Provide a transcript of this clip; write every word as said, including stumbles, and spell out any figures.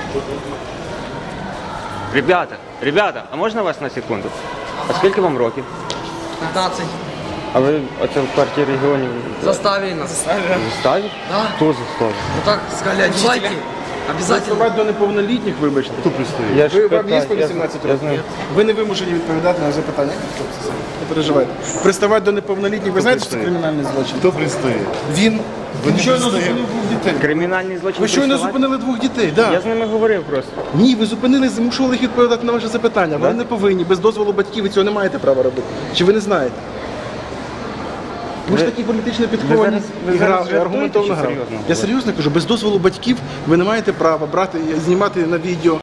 Ребята, ребята, а можна вас на секунду? А скільки вам років? пятнадцать. А ви оце в квартирі регіонів Заставили нас. заставили? Да. Хто заставив? Ну так сказали, одевайте. Обязательно. Приставати до неповнолітніх, вибачте. Хто пристоїть? Я ж Ви вам є питаю, по я- вісімнадцять я років? знаю. Ви не вимушені відповідати на запитання. Не переживайте. Приставати до неповнолітніх, ви знаєте, що це кримінальний злочин? Хто пристоїть? Він, Ви він не щойно пристоїть. зупинив двох дітей. Кримінальний злочин Ви щойно приставати? зупинили двох дітей, так. Я з ними говорив просто. Ні, ви зупинили, змушували їх відповідати на ваше запитання. Ви не повинні, без дозволу батьків ви цього не маєте права робити. Чи ви не знаєте? Ви ж Ви- такі політично ви підковані зараз- ви і зараз гра- і жартуєте аргументовно чи грали. серйозно Я говорите? серйозно кажу, без дозволу батьків ви не маєте права брати, знімати на відео.